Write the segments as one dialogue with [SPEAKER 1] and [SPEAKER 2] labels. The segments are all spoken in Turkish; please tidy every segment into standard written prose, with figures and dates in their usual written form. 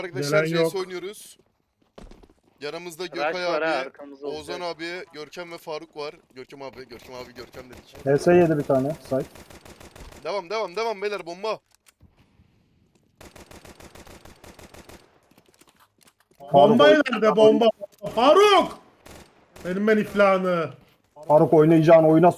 [SPEAKER 1] Arkadaşlar
[SPEAKER 2] Gelen
[SPEAKER 1] CS
[SPEAKER 2] yok.
[SPEAKER 1] oynuyoruz. Yanımızda
[SPEAKER 3] Rush
[SPEAKER 1] Gökay
[SPEAKER 3] var ha,
[SPEAKER 1] abi,
[SPEAKER 3] arkamızda
[SPEAKER 1] Oğuzhan
[SPEAKER 3] olacak.
[SPEAKER 1] abi, Görkem ve Faruk var. Görkem abi Görkem dedik.
[SPEAKER 4] HS yedi bir tane. Say.
[SPEAKER 1] Devam beyler, bomba.
[SPEAKER 2] Bomba
[SPEAKER 4] Faruk,
[SPEAKER 2] nerede bomba? Faruk! Benim ben iflahını.
[SPEAKER 4] Faruk oynayacağın oyuna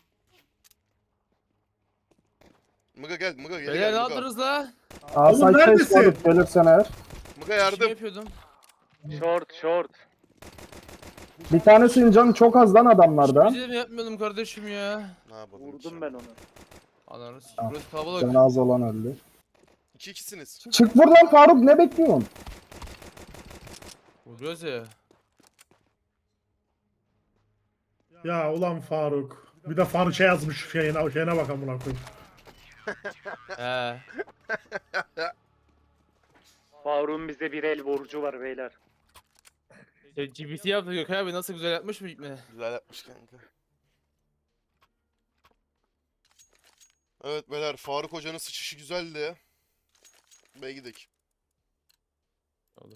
[SPEAKER 1] Mıga gel, Mıga gel,
[SPEAKER 5] Beyler ne
[SPEAKER 1] Mıga.
[SPEAKER 5] yaptınız la?
[SPEAKER 4] Aa,
[SPEAKER 2] Oğlum
[SPEAKER 4] say
[SPEAKER 2] neredesin?
[SPEAKER 4] Faruk gelirsen eğer.
[SPEAKER 1] Mıga
[SPEAKER 5] Ne
[SPEAKER 1] yardım.
[SPEAKER 5] yapıyordum?
[SPEAKER 3] Short.
[SPEAKER 4] Bir tanesinin canı çok az lan adamlarda.
[SPEAKER 5] Bir şey mi yapmıyordum kardeşim ya?
[SPEAKER 1] Ne yapalım?
[SPEAKER 3] Vurdum ben onu.
[SPEAKER 5] Ananı s***
[SPEAKER 4] Tamam.
[SPEAKER 5] burası kalabalık.
[SPEAKER 4] Canı az olan öldü.
[SPEAKER 1] 2-2'siniz.
[SPEAKER 4] Çık buradan Faruk, ne bekliyorsun?
[SPEAKER 5] Vuruyoruz ya.
[SPEAKER 2] Ya ulan Faruk. Bir de Faruk şey yazmış şeyine bak amına koyayım.
[SPEAKER 5] He.
[SPEAKER 3] Faruk'un bize bir el borcu var beyler.
[SPEAKER 5] GPT yaptı Gökay abi, nasıl güzel yapmış mı ipne?
[SPEAKER 1] Güzel yapmış kanka. Evet beyler, Faruk hocanın sıçışı güzeldi. Bey gidelim.
[SPEAKER 5] Olur.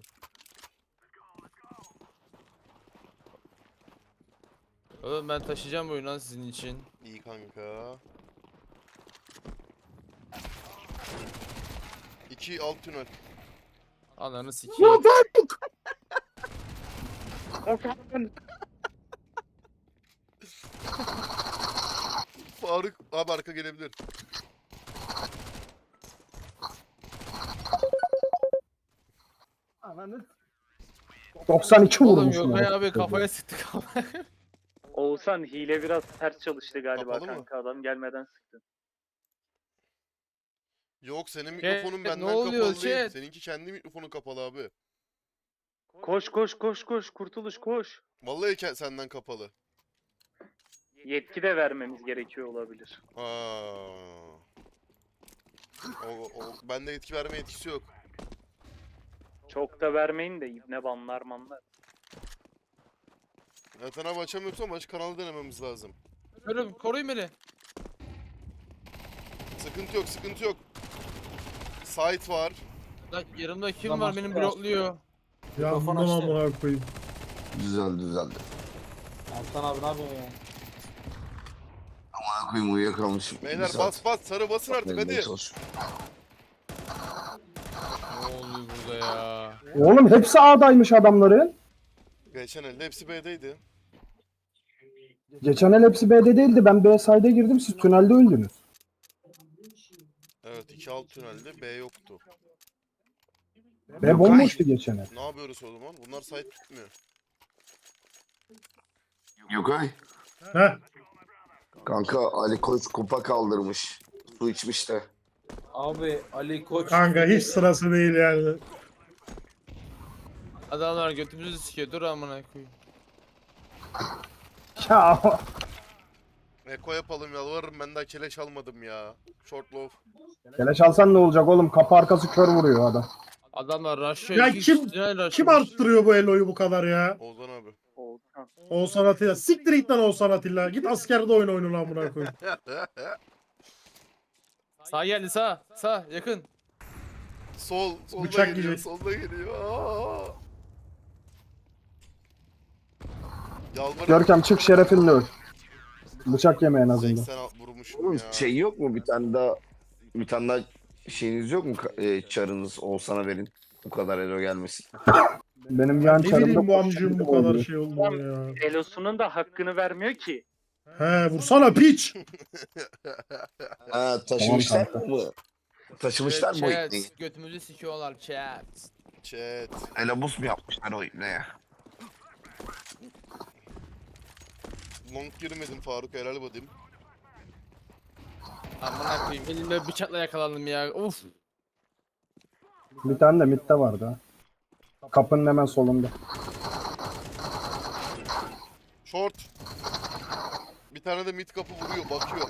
[SPEAKER 5] Oğlum ben taşıyacağım bu oyunu lan sizin için.
[SPEAKER 1] İyi kanka. 2 alt tünel.
[SPEAKER 5] Ananı sikeyim.
[SPEAKER 1] Faruk abi arka gelebilir.
[SPEAKER 4] Ananı 92
[SPEAKER 5] Oğlum
[SPEAKER 4] vurmuşum.
[SPEAKER 5] Gökay
[SPEAKER 4] herif.
[SPEAKER 5] abi kafaya sıktı kafaya.
[SPEAKER 3] Oğuzhan hile biraz ters çalıştı galiba
[SPEAKER 1] Kapalı mı?
[SPEAKER 3] kanka, adam gelmeden sıktı.
[SPEAKER 1] Yok, senin
[SPEAKER 5] Chat,
[SPEAKER 1] mikrofonun
[SPEAKER 5] ne
[SPEAKER 1] benden
[SPEAKER 5] oluyor,
[SPEAKER 1] kapalı değil.
[SPEAKER 5] chat?
[SPEAKER 1] Seninki kendi mikrofonun kapalı abi.
[SPEAKER 3] Koş Kurtuluş koş.
[SPEAKER 1] Vallahi senden kapalı.
[SPEAKER 3] Yetki de vermemiz gerekiyor olabilir.
[SPEAKER 1] Aa. Bende yetki verme yetkisi yok.
[SPEAKER 3] Çok da vermeyin de ibne banlar manlar.
[SPEAKER 1] Zaten abi açamıyorsa maç kanalı denememiz lazım.
[SPEAKER 5] Görüm koruyun beni.
[SPEAKER 1] Sıkıntı yok. Site var.
[SPEAKER 5] Lan yanımda kim
[SPEAKER 6] Tamam,
[SPEAKER 5] var, beni
[SPEAKER 6] süper.
[SPEAKER 5] blokluyor.
[SPEAKER 2] Ya
[SPEAKER 6] Mikrofon
[SPEAKER 2] bundan
[SPEAKER 6] açtı.
[SPEAKER 2] amına koyayım.
[SPEAKER 7] Düzeldi.
[SPEAKER 6] Altan abi ne yapıyorsun ya?
[SPEAKER 7] Amına koyayım uyuyakalmışım.
[SPEAKER 1] Beyler bas sarı basın artık hadi.
[SPEAKER 5] Ne oluyor burada ya?
[SPEAKER 4] Oğlum hepsi A'daymış adamların.
[SPEAKER 1] Geçen elde hepsi B'deydi.
[SPEAKER 4] Geçen el hepsi B'de değildi. Ben B side'e girdim, siz tünelde öldünüz.
[SPEAKER 1] Evet, 2 alt tünelde B yoktu.
[SPEAKER 4] B bomboştu geçen el.
[SPEAKER 1] Ne yapıyoruz o zaman? Bunlar site tutmuyor.
[SPEAKER 7] Gökay.
[SPEAKER 2] Heh.
[SPEAKER 7] Kanka Ali Koç kupa kaldırmış. Su içmiş de.
[SPEAKER 6] Abi Ali Koç.
[SPEAKER 2] Kanka hiç sırası değil yani.
[SPEAKER 5] Adamlar götümüzü sikiyor, dur amına koyayım.
[SPEAKER 4] Ya
[SPEAKER 1] Eko yapalım, yalvarırım, ben daha keleş almadım ya. Short low.
[SPEAKER 4] keleş alsan ne olacak oğlum? Kapı arkası kör vuruyor adam.
[SPEAKER 5] Adamlar rush'ı
[SPEAKER 2] Ya kim arttırıyor bu Elo'yu bu kadar ya?
[SPEAKER 1] Oğuzhan abi.
[SPEAKER 3] Oğuzhan.
[SPEAKER 2] Oğuzhan Atilla. Siktir git lan Oğuzhan Atilla. Git askerde oyun lan amına koyayım.
[SPEAKER 5] Sağ geldi, sağ yakın.
[SPEAKER 1] Solda
[SPEAKER 2] Bıçak
[SPEAKER 1] geliyor,
[SPEAKER 2] yiyecek.
[SPEAKER 1] solda geliyor. Aa! Yalvarırım.
[SPEAKER 4] Görkem çık, şerefinle öl. Bıçak yeme en azından.
[SPEAKER 1] 80 vurmuşum
[SPEAKER 7] Oğlum
[SPEAKER 1] ya.
[SPEAKER 7] şey yok mu bir tane daha şeyiniz yok mu çarınız Oğuzhan'a verin. Bu kadar elo gelmesin.
[SPEAKER 4] Benim yan
[SPEAKER 2] Ne
[SPEAKER 4] çarımda
[SPEAKER 2] bileyim bu
[SPEAKER 4] koşan
[SPEAKER 2] amcığım
[SPEAKER 4] biri
[SPEAKER 2] bu kadar
[SPEAKER 4] oluyor.
[SPEAKER 2] şey olduğunu ya.
[SPEAKER 3] Elosu'nun da hakkını vermiyor ki.
[SPEAKER 2] He vursana piç.
[SPEAKER 7] Ha taşımışlar
[SPEAKER 4] Tamam
[SPEAKER 7] mı? Taşımışlar mı o
[SPEAKER 5] Chat,
[SPEAKER 7] ipneyi?
[SPEAKER 5] götümüzü sikiyorlar chat.
[SPEAKER 1] Chat.
[SPEAKER 7] Elabus mu yapmışlar o ipneye?
[SPEAKER 1] Long girmedim Faruk, helal bakayım.
[SPEAKER 5] Amına koyayım, elimde bıçakla yakalandım ya. Uf.
[SPEAKER 4] Bir tane de midde vardı ha. Kapının hemen solunda.
[SPEAKER 1] Short. Bir tane de mid kapı vuruyor, bakıyor.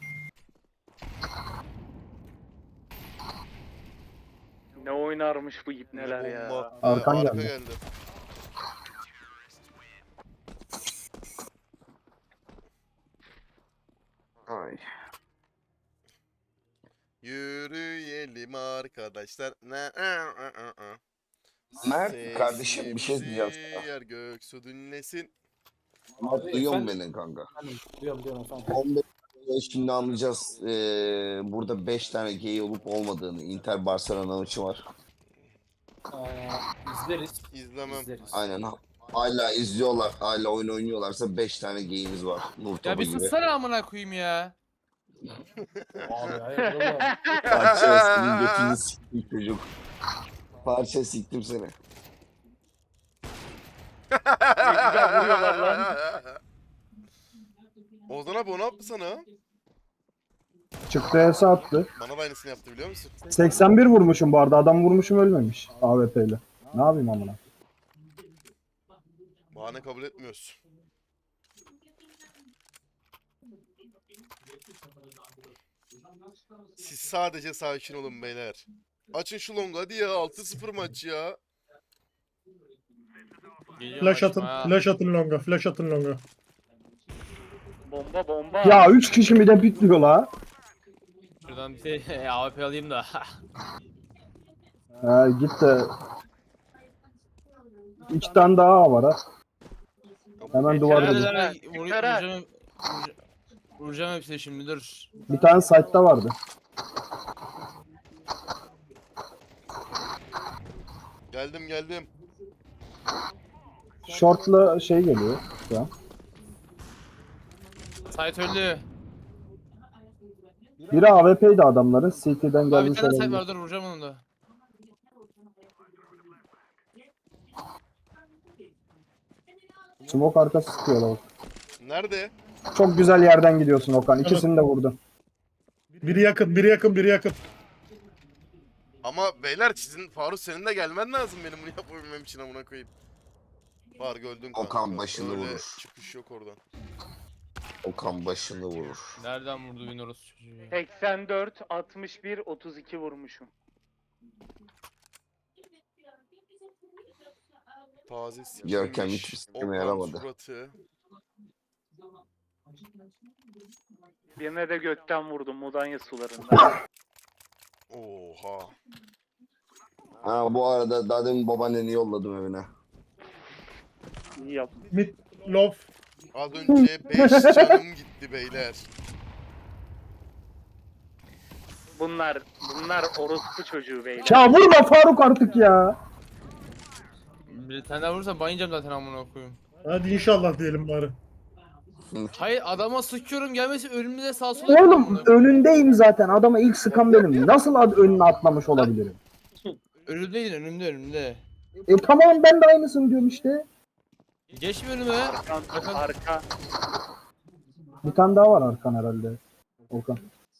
[SPEAKER 3] Ne oynarmış bu ibneler
[SPEAKER 1] Ne
[SPEAKER 3] ya.
[SPEAKER 1] bomba.
[SPEAKER 4] Arkan
[SPEAKER 1] Arka
[SPEAKER 4] geldi.
[SPEAKER 1] geldi.
[SPEAKER 7] Ay.
[SPEAKER 1] Yürüyelim arkadaşlar.
[SPEAKER 7] Mert kardeşim bir şey diyeceğim sana.
[SPEAKER 1] Yer gök su dinlesin.
[SPEAKER 7] Mert duyuyor musun
[SPEAKER 6] efendim?
[SPEAKER 7] beni kanka?
[SPEAKER 6] Diyorum efendim.
[SPEAKER 7] 15 şimdi anlayacağız. Burada 5 tane gay olup olmadığını. Inter Barcelona maçı var.
[SPEAKER 6] İzleriz.
[SPEAKER 1] İzlemem.
[SPEAKER 6] İzleriz.
[SPEAKER 7] Aynen. Hala izliyorlar. Hala oyun oynuyorlarsa 5 tane gayimiz var. Nur
[SPEAKER 5] Ya
[SPEAKER 7] topu
[SPEAKER 5] bir
[SPEAKER 7] gibi.
[SPEAKER 5] sussana amına koyayım ya.
[SPEAKER 6] Abi hayır oğlum.
[SPEAKER 7] Parça senin götünü siktim çocuk. Parça siktim seni.
[SPEAKER 3] Ne güzel vuruyorlar lan.
[SPEAKER 1] Ozan abi o ne yaptı sana?
[SPEAKER 4] Çıktı ESA attı.
[SPEAKER 1] Bana da aynısını yaptı biliyor musun?
[SPEAKER 4] 81 vurmuşum bu arada. Adam vurmuşum ölmemiş. AWP ile. Ne yapayım amına?
[SPEAKER 1] Bahane kabul etmiyoruz. Siz sadece sakin olun beyler. Açın şu longu hadi ya 6-0 maç ya.
[SPEAKER 5] Geliyor
[SPEAKER 2] Flash atın,
[SPEAKER 5] maçıma ha.
[SPEAKER 2] flash atın longa, flash atın longa.
[SPEAKER 3] Bomba bomba.
[SPEAKER 4] Ya 3 kişi mi de bitmiyor la?
[SPEAKER 5] Şuradan bir şey AWP alayım da.
[SPEAKER 4] Git de 2 tane daha var ha. Hemen duvarda bir.
[SPEAKER 5] Vuracağım hepsini şimdi dur.
[SPEAKER 4] Bir tane site'da vardı.
[SPEAKER 1] Geldim.
[SPEAKER 4] Short'la şey geliyor şu an.
[SPEAKER 5] Sait öldü.
[SPEAKER 4] Biri AWP'ydi adamların. CT'den
[SPEAKER 5] Abi bir
[SPEAKER 4] gelmiş
[SPEAKER 5] tane Sait
[SPEAKER 4] olabilir.
[SPEAKER 5] var dur vuracağım onu da.
[SPEAKER 4] Smoke arkası sıkıyorlar.
[SPEAKER 1] Nerede?
[SPEAKER 4] Çok güzel yerden gidiyorsun Okan. İkisini de vurdun.
[SPEAKER 2] Biri yakın, biri yakın, biri yakın.
[SPEAKER 1] Ama beyler sizin Faruk senin de gelmen lazım benim bunu yapabilmem için amına koyayım. Faruk öldün kanka.
[SPEAKER 7] Okan başını
[SPEAKER 1] Öyle
[SPEAKER 7] vurur.
[SPEAKER 1] çıkış yok oradan.
[SPEAKER 7] Okan başını vurur.
[SPEAKER 5] Nereden vurdu beni orası çocuğu ya?
[SPEAKER 3] 84, 61, 32 vurmuşum.
[SPEAKER 1] Taze
[SPEAKER 7] Görkem
[SPEAKER 1] sikilmiş.
[SPEAKER 7] hiçbir sikime
[SPEAKER 1] Okan
[SPEAKER 7] yaramadı.
[SPEAKER 1] suratı.
[SPEAKER 3] Birine de gökten vurdum Mudanya sularında.
[SPEAKER 1] Oha.
[SPEAKER 7] Ha bu arada daha demin babaanneni yolladım evine.
[SPEAKER 3] İyi yap.
[SPEAKER 2] Mid, low.
[SPEAKER 1] Az önce 5 canım gitti beyler.
[SPEAKER 3] Bunlar orospu çocuğu beyler.
[SPEAKER 4] Ya vurma Faruk artık ya.
[SPEAKER 5] Bir tane daha vurursam bayılacağım zaten amına koyayım.
[SPEAKER 2] Hadi inşallah diyelim bari.
[SPEAKER 5] Hayır adama sıkıyorum gelmesi önümüze sağ sola.
[SPEAKER 4] Oğlum önündeyim zaten. Adama ilk sıkan benim. Nasıl önüne atlamış olabilirim?
[SPEAKER 5] Önümdeydin önümde.
[SPEAKER 4] Tamam ben de aynısını diyorum işte.
[SPEAKER 5] Geçme önüme.
[SPEAKER 3] Arka.
[SPEAKER 4] Bir tane daha var arkan herhalde. Okan.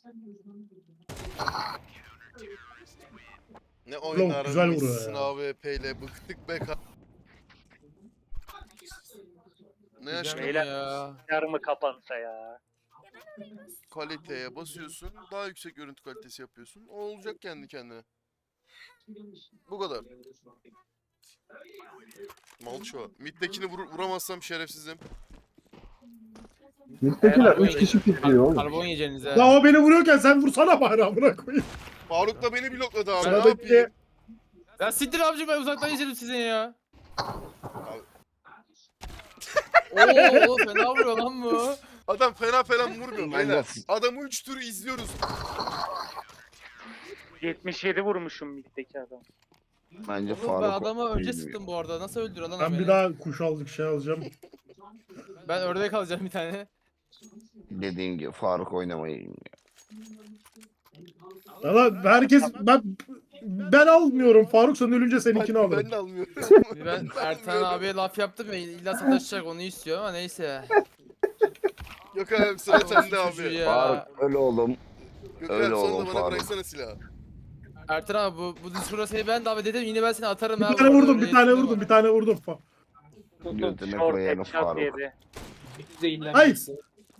[SPEAKER 1] Ne oynar
[SPEAKER 2] güzel vuruyor
[SPEAKER 1] mısın
[SPEAKER 2] ya.
[SPEAKER 1] AWP ile bıktık be Ne yaşadın
[SPEAKER 3] Beyler.
[SPEAKER 5] Ya.
[SPEAKER 3] Yarımı kapansa ya.
[SPEAKER 1] kaliteye basıyorsun daha yüksek görüntü kalitesi yapıyorsun. O olacak kendi kendine. Bu kadar. Malço. Mid'dekini vuramazsam şerefsizim.
[SPEAKER 4] Mid'dekiler 3 kişi pitliyor oğlum.
[SPEAKER 5] Karbon yiyeceğiniz ha.
[SPEAKER 2] Ya o beni vuruyorken sen vursana bari amına koyayım.
[SPEAKER 1] Faruk da beni blokladı abi ne
[SPEAKER 2] Sıradaki
[SPEAKER 1] yapayım?
[SPEAKER 5] Ya siktir abicim ben uzaktan izledim sizin ya. Oo fena vuruyor lan bu.
[SPEAKER 1] Adam fena vurmuyor
[SPEAKER 7] Ben de-
[SPEAKER 1] beyler. Adamı 3 tur izliyoruz.
[SPEAKER 3] 77 vurmuşum middeki adam.
[SPEAKER 7] Bence
[SPEAKER 5] Oğlum ben
[SPEAKER 7] Faruk
[SPEAKER 5] adamı önce
[SPEAKER 7] bilmiyor.
[SPEAKER 5] sıktım bu arada. Nasıl öldürüyor lan o
[SPEAKER 2] Ben
[SPEAKER 5] beni?
[SPEAKER 2] bir daha kuş aldık şey alacağım.
[SPEAKER 5] Ben ördek alacağım bir tane.
[SPEAKER 7] Dediğim gibi Faruk oynamayı bilmiyor.
[SPEAKER 2] Valla herkes ben almıyorum. Faruk sen ölünce seninkini
[SPEAKER 1] Ben
[SPEAKER 2] alırım.
[SPEAKER 1] de almıyorum.
[SPEAKER 5] Ben Ertan abiye laf yaptım ya illa sataşacak onu istiyor ama neyse.
[SPEAKER 1] Yok abi sıra sende
[SPEAKER 5] Çocuğu
[SPEAKER 1] abi.
[SPEAKER 5] ya.
[SPEAKER 7] Faruk öyle oğlum.
[SPEAKER 1] Gökhan
[SPEAKER 7] Öyle
[SPEAKER 1] sonra
[SPEAKER 7] oğlum
[SPEAKER 1] bana
[SPEAKER 7] Faruk.
[SPEAKER 1] bıraksana silahı.
[SPEAKER 5] Ertan abi bu Discord'a seni ben davet edeyim yine ben seni atarım.
[SPEAKER 2] Bir tane vurdum, bir tane vurdum, bir tane vurdum.
[SPEAKER 7] Götüne
[SPEAKER 3] Short
[SPEAKER 7] koyanı
[SPEAKER 3] headshot
[SPEAKER 7] Faruk.
[SPEAKER 3] yedi.
[SPEAKER 6] Zehirlenmesi.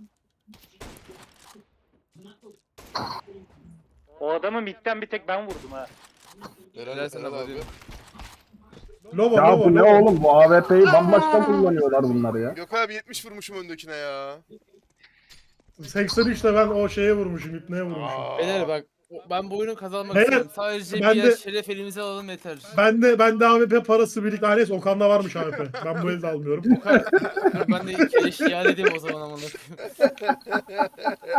[SPEAKER 3] O adamı midden bir tek ben vurdum ha.
[SPEAKER 1] Helal
[SPEAKER 5] sana
[SPEAKER 1] abi.
[SPEAKER 5] bakıyorum.
[SPEAKER 2] Lova,
[SPEAKER 4] Ya
[SPEAKER 2] lova,
[SPEAKER 4] bu ne
[SPEAKER 2] lova.
[SPEAKER 4] oğlum? Bu AWP'yi bambaşka kullanıyorlar bunlar ya.
[SPEAKER 1] Yok abi 70 vurmuşum öndekine ya.
[SPEAKER 2] 83'te ben o şeye vurmuşum, ipneye vurmuşum.
[SPEAKER 1] Aa.
[SPEAKER 5] Beyler bak Ben bu oyunu kazanmak
[SPEAKER 2] Beyler,
[SPEAKER 5] istiyorum. Sadece
[SPEAKER 2] ben
[SPEAKER 5] bir
[SPEAKER 2] de-
[SPEAKER 5] yer şeref elimize alalım yeter.
[SPEAKER 2] Ben de AWP parası birlikte. Neyse Okan'da varmış AWP. Ben bu elde almıyorum.
[SPEAKER 5] Dur ben de keleş iade edeyim o zaman amına koyayım.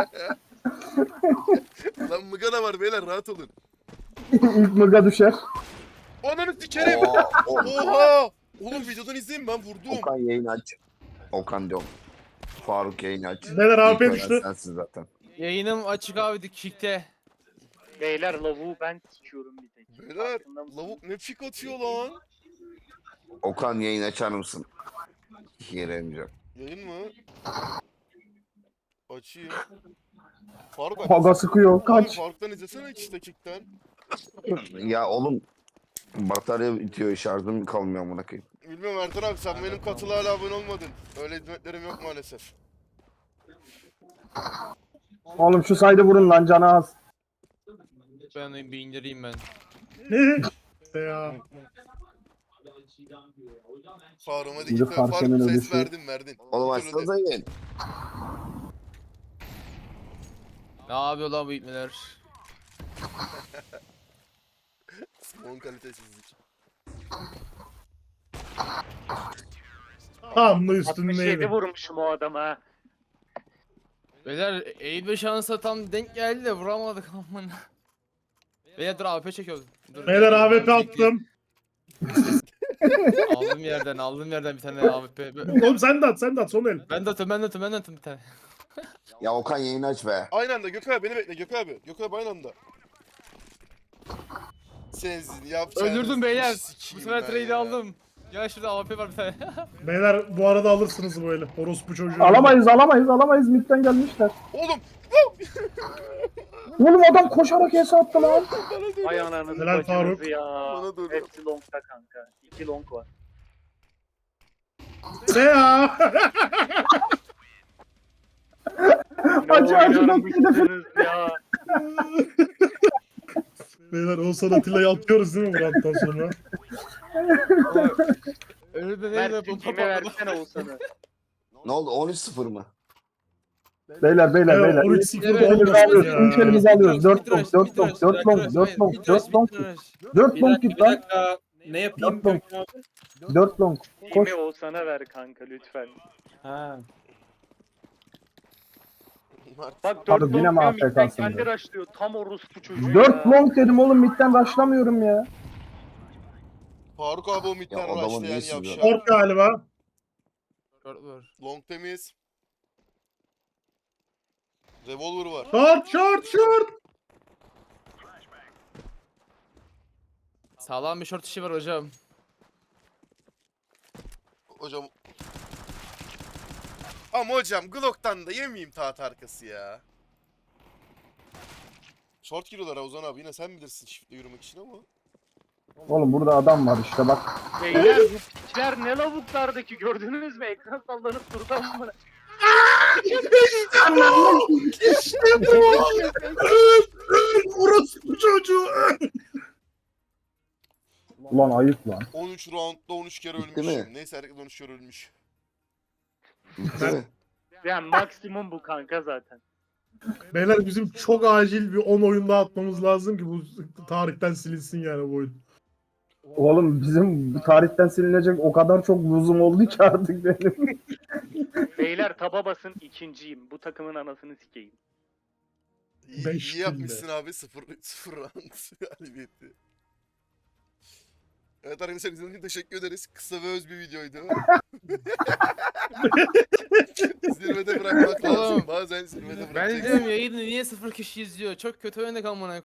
[SPEAKER 1] Lan mıgana var beyler rahat olun.
[SPEAKER 4] İlk mıga düşer.
[SPEAKER 1] Ananı sikerim.
[SPEAKER 7] Aa,
[SPEAKER 1] Oha. Oğlum videodan izleyin ben vurdum.
[SPEAKER 7] Okan yayın aç. Okan diyorum. Faruk yayın aç.
[SPEAKER 2] Neler
[SPEAKER 7] İlk
[SPEAKER 2] AWP
[SPEAKER 7] ölen
[SPEAKER 2] düştü.
[SPEAKER 7] sensin zaten.
[SPEAKER 5] Yayınım açık abi Kick'te.
[SPEAKER 3] Beyler lavuğu ben sikiyorum bir tek.
[SPEAKER 1] Beyler
[SPEAKER 3] Farkında mısın?
[SPEAKER 1] lavuk ne pik atıyor lan.
[SPEAKER 7] Okan yayın açar mısın? Yere emeceğim.
[SPEAKER 1] Yayın mı? Açayım. Faruk
[SPEAKER 4] Haga sıkıyor. Kaç.
[SPEAKER 1] Faruk'tan izlesene işte kickten.
[SPEAKER 7] Ya oğlum batarya bitiyor, şarjım kalmıyor amına koyayım.
[SPEAKER 1] Bilmiyorum Ertan abi sen benim katıla hala abone olmadın. Öyle hizmetlerim yok maalesef.
[SPEAKER 4] Oğlum şu saydı vurun lan canı az.
[SPEAKER 5] Ben bir indireyim ben.
[SPEAKER 2] Ne? İşte ya.
[SPEAKER 1] Faruk'a hadi
[SPEAKER 4] Biri
[SPEAKER 1] git. Faruk
[SPEAKER 4] Faruk'un
[SPEAKER 1] ses
[SPEAKER 4] ölüşü.
[SPEAKER 1] verdin.
[SPEAKER 7] Oğlum
[SPEAKER 1] Otur hadi.
[SPEAKER 7] açsanıza yayın.
[SPEAKER 5] Ne yapıyor lan bu ipneler?
[SPEAKER 1] Son kalitesizlik.
[SPEAKER 2] Tam da
[SPEAKER 3] 67
[SPEAKER 2] üstündeydi.
[SPEAKER 3] vurmuşum o adama.
[SPEAKER 5] Beyler eğilme şansı tam denk geldi de vuramadık amına. Beyler dur AWP çekiyoruz. Dur,
[SPEAKER 2] Beyler AWP attım.
[SPEAKER 5] Aldım yerden bir tane AWP.
[SPEAKER 2] Oğlum sen de at son el.
[SPEAKER 5] Ben de atıyorum bir tane.
[SPEAKER 7] Ya Okan yayın aç be.
[SPEAKER 1] Aynı anda Gökhan abi beni bekle Gökhan abi. Gökhan abi aynı anda. Sensin yapacağınız.
[SPEAKER 5] Öldürdüm beyler.
[SPEAKER 1] işi
[SPEAKER 5] Bu
[SPEAKER 1] sikeyim
[SPEAKER 5] sefer
[SPEAKER 1] ben
[SPEAKER 5] trade'i
[SPEAKER 1] ya.
[SPEAKER 5] aldım. Ya şurada AWP var bir tane.
[SPEAKER 2] Beyler bu arada alırsınız bu eli. Orospu çocuğu.
[SPEAKER 4] Alamayız. Midden gelmişler.
[SPEAKER 1] Oğlum
[SPEAKER 4] Oğlum adam koşarak hesa attı lan.
[SPEAKER 1] bana dön.
[SPEAKER 3] Ay ananızı
[SPEAKER 2] Helal
[SPEAKER 3] bacınızı
[SPEAKER 2] Faruk.
[SPEAKER 3] ya.
[SPEAKER 1] Bana doğru.
[SPEAKER 3] Hepsi longta kanka. 2 long var.
[SPEAKER 2] Seha.
[SPEAKER 4] Acı
[SPEAKER 3] oynarmışsınız ya.
[SPEAKER 2] Beyler Oğuzhan Atilla'yı atıyoruz değil mi bu rounddan sonra?
[SPEAKER 5] Önümde
[SPEAKER 3] Mert
[SPEAKER 5] neyle bu
[SPEAKER 3] kime versene Oğuzhan'ı.
[SPEAKER 7] Ne oldu? 13-0 mı?
[SPEAKER 4] Beyler.
[SPEAKER 2] Evet, 13-0'da olmasın ya.
[SPEAKER 4] İlk elimizi alıyoruz. 4 long. 4 long git
[SPEAKER 6] Bir
[SPEAKER 4] lan.
[SPEAKER 6] dakika. Ne yapayım
[SPEAKER 4] Yapma.
[SPEAKER 6] Gökhan abi?
[SPEAKER 4] 4 long. Koş.
[SPEAKER 3] Kimi Oğuzhan'a ver kanka lütfen.
[SPEAKER 6] Ha.
[SPEAKER 3] Bak 4
[SPEAKER 4] Abi
[SPEAKER 3] long
[SPEAKER 4] yine mi
[SPEAKER 3] diyor, midden
[SPEAKER 4] AFK'sın
[SPEAKER 3] kendi
[SPEAKER 4] ya?
[SPEAKER 3] rushlıyor. Tam orospu çocuğu
[SPEAKER 4] 4
[SPEAKER 3] ya.
[SPEAKER 4] long dedim oğlum midden rushlamıyorum ya.
[SPEAKER 1] Faruk abi o
[SPEAKER 7] Ya
[SPEAKER 1] midden
[SPEAKER 7] adamın
[SPEAKER 1] araçlayan
[SPEAKER 7] niye sizi-
[SPEAKER 1] yavşak.
[SPEAKER 2] Short galiba.
[SPEAKER 5] Short var.
[SPEAKER 1] Long temiz. Revolver var.
[SPEAKER 2] Short.
[SPEAKER 5] Sağlam bir short işi var hocam.
[SPEAKER 1] Hocam. Ama hocam Glock'tan da yemeyeyim taht arkası ya. Short giriyorlar Ozan abi yine sen bilirsin shift'le yürümek için ama.
[SPEAKER 4] Oğlum burada adam var işte bak.
[SPEAKER 3] Beyler bu piçler ne lavuklardaki gördünüz mü? Ekran sallanıp durdu ama.
[SPEAKER 2] İşte bu. Orospu çocuğu.
[SPEAKER 4] Ulan ayıp lan.
[SPEAKER 1] 13 roundda 13 kere
[SPEAKER 7] Bitti mi?
[SPEAKER 1] ölmüşüm. Neyse herkes 13 kere ölmüş.
[SPEAKER 7] Bitti mi?
[SPEAKER 3] Yani maksimum bu kanka zaten.
[SPEAKER 2] Beyler bizim çok acil bir 10 oyun daha atmamız lazım ki bu tarihten silinsin yani bu oyun.
[SPEAKER 4] Oğlum bizim bu tarihten silinecek o kadar çok lüzum oldu ki artık benim.
[SPEAKER 3] Beyler taba basın ikinciyim. Bu takımın anasını sikeyim.
[SPEAKER 1] İyi,
[SPEAKER 2] Beş
[SPEAKER 1] iyi yapmışsın
[SPEAKER 2] günde.
[SPEAKER 1] abi 0 round galibiyeti. Evet arkadaşlar izlediğiniz için teşekkür ederiz. Kısa ve öz bir videoydu. Zirvede bırakmak lazım.
[SPEAKER 5] Oğlum,
[SPEAKER 1] Bazen zirvede
[SPEAKER 5] Ben
[SPEAKER 1] bırakacaksın.
[SPEAKER 5] izliyorum yayını niye 0 kişi izliyor? Çok kötü oynadık amına